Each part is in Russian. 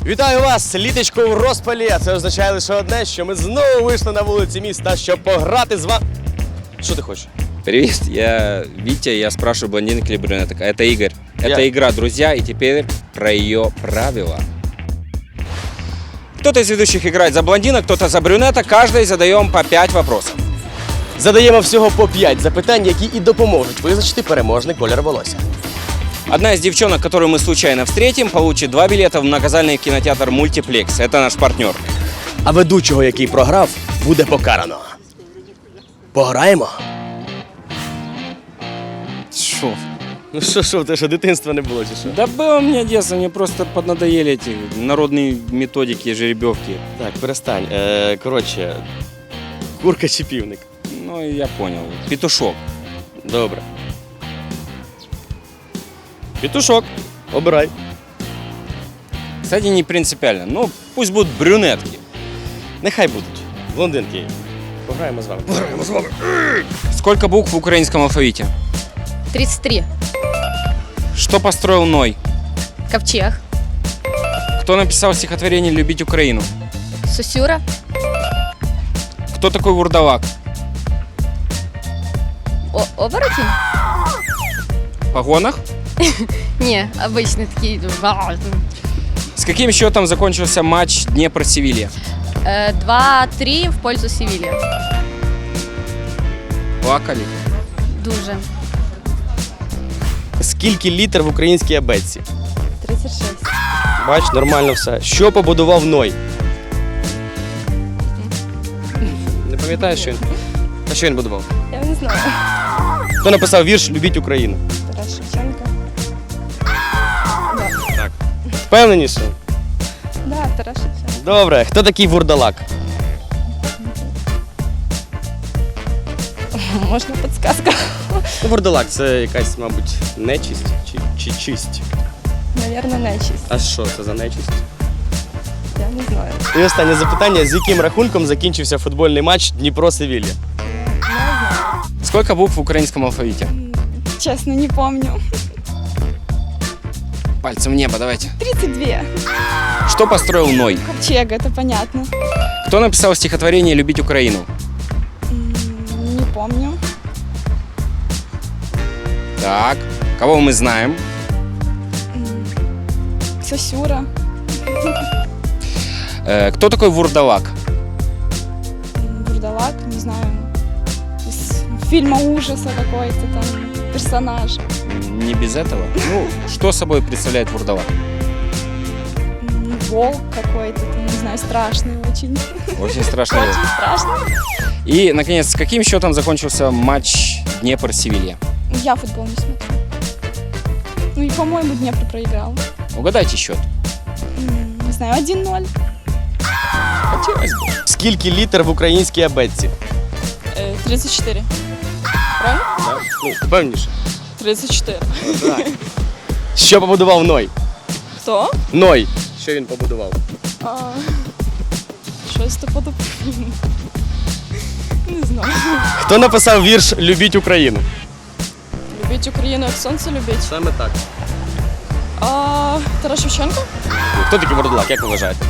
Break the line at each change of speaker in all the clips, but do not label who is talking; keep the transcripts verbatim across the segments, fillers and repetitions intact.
Вітаю вас! Літочко в розпалі, а це означає лише одне, що ми знову вийшли на вулиці міста, щоб пограти з вами. Що ти хочеш?
Привет, я Витя, я спрашиваю блондинок или брюнеток. Это Игорь. Это
Я-
игра «Друзья», и теперь про ее правила. Кто-то из ведущих играет за блондинок, кто-то за брюнеток. Каждый задаем по пять вопросов.
Задаємо всього по п'ять запитань, які і допоможуть визначити переможний колір волосся.
Одна из девчонок, которую мы случайно встретим, получит два билета в многозальный кинотеатр «Мультиплекс». Это наш партнер.
А ведучого, який програв, буде покарано. Пограємо?
Шо?
Ну що, що, те що дитинства не було, чи що?
Да было мне детство, мне просто поднадоели эти народные методики, жеребьевки.
Так, перестань. Е, коротше, курка чи півник?
Ну, я понял. Петушок.
Добре. Петушок, обирай.
Кстати, не принципиально. Ну, пусть будут брюнетки.
Нехай будуть. Блондинки. Пограємо з вами. Пограємо з вами.
Сколько букв в украинском алфавите?
тридцать три.
Что построил Ной?
Ковчег.
Кто написал стихотворение «Любить Украину»?
Сусюра.
Кто такой вурдалак?
О оборотень?
В погонах?
Не, обычный такие.
С каким счетом закончился матч Днепр-Севилья?
Э, два-три в пользу Севильи.
Плакали.
Дуже.
Скільки літер в українській абетці?
тридцать шесть.
Бач, нормально все. Що побудував Ной? Не пам'ятаєш, що він? А що він будував?
Я не знаю.
Хто написав вірш «Любіть Україну»?
Тарас Шевченко.
Так. Впевненіше?
Да, Тарас Шевченко.
Добре. Хто такий вурдалак?
Можна підсказка?
Ну, вурдалак – це якась, мабуть, нечисть чи, чи чисть.
Навірно, нечисть.
А що це за нечисть?
Я не знаю.
І останнє запитання. З яким рахунком закінчився футбольний матч Дніпро-Севілья?
Сколько букв в украинском алфавите?
Чесно, не помню.
Пальцем в небо, давайте.
тридцать два.
Что построил Ной?
Ковчег, это понятно.
Кто написал стихотворение «Любить Украину»?
М, Не помню.
Так. Кого мы знаем?
М, Сосюра.
Э, кто такой вурдалак?
М, Бурдалак, не знаю. Из фильма ужаса какой-то там персонаж.
Не без этого. Ну, что собой представляет вурдалак?
М, Волк какой-то, там, не знаю, страшный очень.
Очень страшный.
Очень страшный.
И, наконец, с каким счетом закончился матч Днепр-Севилья?
Я футбол не смотрю. Ну и, по-моему, Днепр проиграл.
Угадайте счет.
М, Не знаю, один ноль.
Хотелось бы.
Скільки літер в українській абетці?
Э, тридцать четыре. Правильно?
Так. Ну, впевніше.
тридцать четыре.
Так. Що побудував Ной?
Кто?
Ной. Що він побудував?
А, Щось то подобне. Не знаю.
Хто написав вірш «Любіть Україну»?
Любить Україну, як сонце любить.
Саме так.
А, Тарас Шевченко?
Хто такий вурдалак, як ви вважаєте?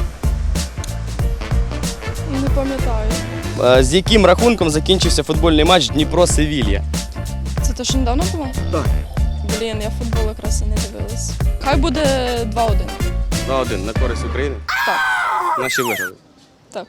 Не пам'ятаю.
Е, З яким рахунком закінчився футбольний матч Дніпро-Севілья?
Це те, що недавно було?
Так.
Блін, я футбол якраз і не дивилась. Хай буде два один.
два-один на користь України.
Так.
Наші виграли.
Так.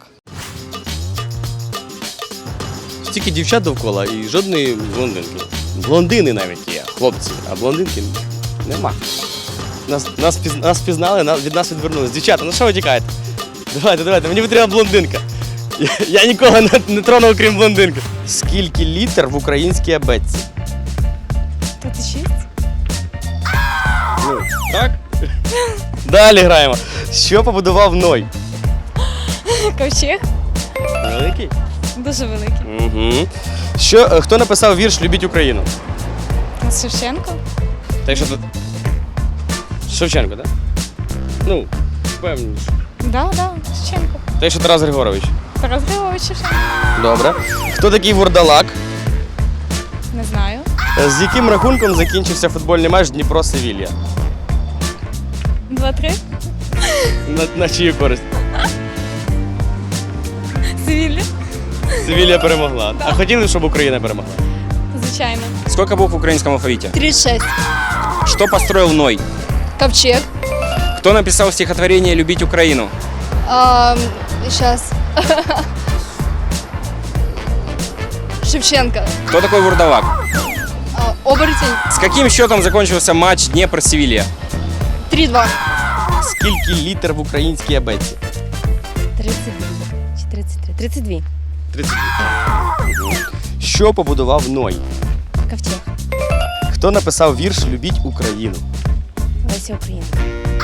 Стільки дівчат довкола і жодної блондинки. Блондини навіть є, хлопці, а блондинки нема. Нас, нас, піз- нас пізнали, на- від нас відвернулись. Дівчата, ну що ви тікаєте? Давайте, давайте, мені потрібна блондинка. Я, я нікого не, не тронув, крім блондинки. Скільки літер в українській абетці?
Тут шість?
Ну, так? Далі граємо. Що побудував Ной?
Ковчег?
Великий?
Дуже великий.
Угу. Що, е, хто написав вірш «Любіть Україну»?
Шевченко?
Так що тут. Шевченко, так? Ну, впевненіше.
Да, да, Шевченко.
Так що Тарас Григорович.
Тарас Григорович Шевченко.
Добре. Хто такий вурдалак?
Не знаю.
Е, З яким рахунком закінчився футбольний матч Дніпро-Севілья?
Два-три?
На, на чию користь?
Севилья.
Севілія перемогла. А хотіли, щоб Україна перемогла?
Звичайно.
Сколько букв в украинском алфавите?
тридцать шесть.
Что построил Ной?
Ковчег.
Кто написал стихотворение «Любить Украину»?
Сейчас. Шевченко.
Кто такой Вурдалак?
А, оборотень.
С каким счетом закончился матч Днепр-Севилья?
три-два.
Скільки літер в українській абетці?
тридцять два. Чи тридцять три? тридцять два.
тридцять дві. Що побудував Ной?
Ковчег.
Хто написав вірш «Любіть Україну»?
Леся Українка.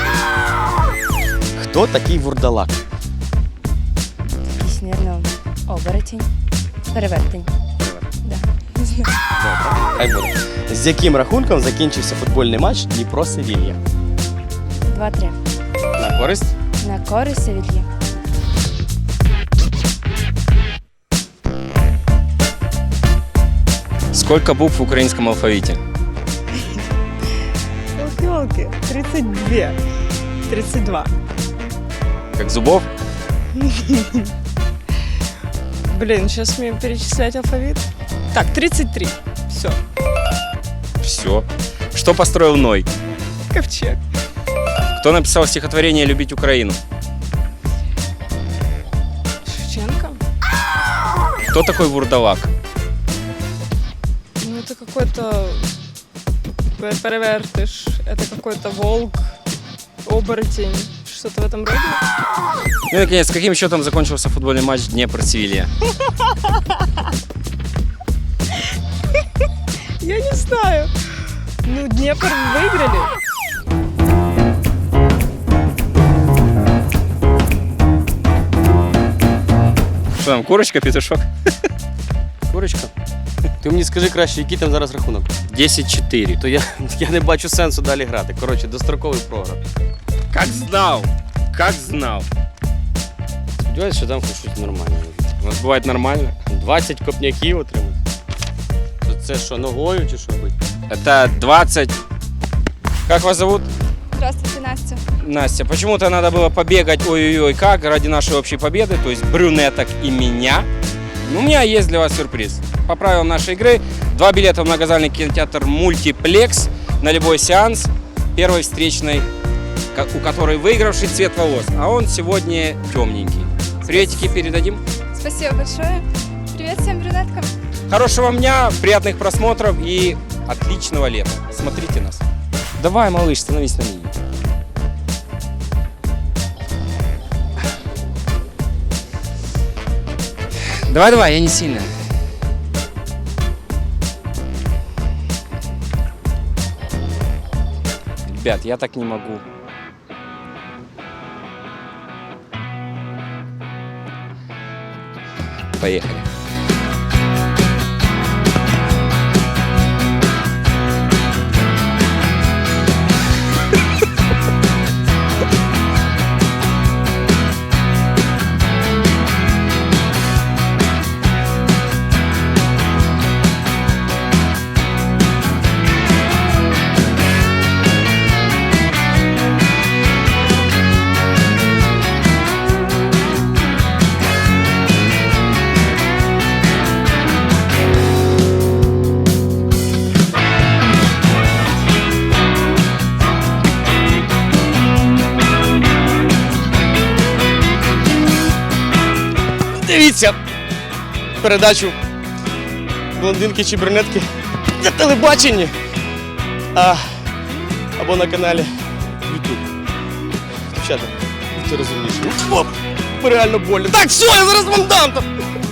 Хто такий Вурдалак?
Якийсь, мабуть, оборотень. Перевертень. Да. Не знаю.
Хай буде. З яким рахунком закінчився футбольний матч Дніпро-Севілья?
два-три.
На користь?
На користь Севільї.
Сколько букв в украинском алфавите?
Елки-елки, тридцать два. тридцать два.
Как зубов?
Блин, сейчас мне перечислять алфавит. Так, тридцать три. Все.
Все. Что построил Ной?
Ковчег.
Кто написал стихотворение «Любить Украину»?
Шевченко.
Кто такой Вурдалак?
Ну, это какой-то пе- перевертыш. Это какой-то волк, оборотень. Что-то в этом роде.
Ну и, наконец, с каким счетом закончился футбольный матч Днепр-Севилья?
Я не знаю. Ну, Днепр выиграли.
Что там, курочка, петушок?
Курочка? Ти мені скажи краще, який там зараз рахунок?
десять-четыре.
То я, я не бачу сенсу далі грати. Коротше, достроковий програв.
Как знал, как знал.
Сподіваюсь, що там хоч щось нормальне.
У нас бывает нормально.
двадцять копняків отримати. То це що, ногою чи що робити?
Это двадцать... Как вас зовут?
Здравствуйте, Настя.
Настя. Почему-то надо было побегать ой-ой-ой как ради нашей общей победы, то есть брюнеток и меня. Ну, у меня есть для вас сюрприз. По правилам нашей игры, два билета в многозальный кинотеатр «Мультиплекс» на любой сеанс первой встречной, ко- у которой выигравший цвет волос. А он сегодня темненький. Приветики передадим.
Спасибо большое. Привет всем брюнеткам.
Хорошего дня, приятных просмотров и отличного лета. Смотрите нас. Давай, малыш, становись на линию. Давай, давай, я не сильно. Ребят, я так не могу. Поехали.
Дивіться передачу «Блондинки чи брюнетки» на телебаченні а, або на каналі YouTube. Дівчата, будьте розумніші. Оп, реально больно. Так, все, я зараз вам дам там.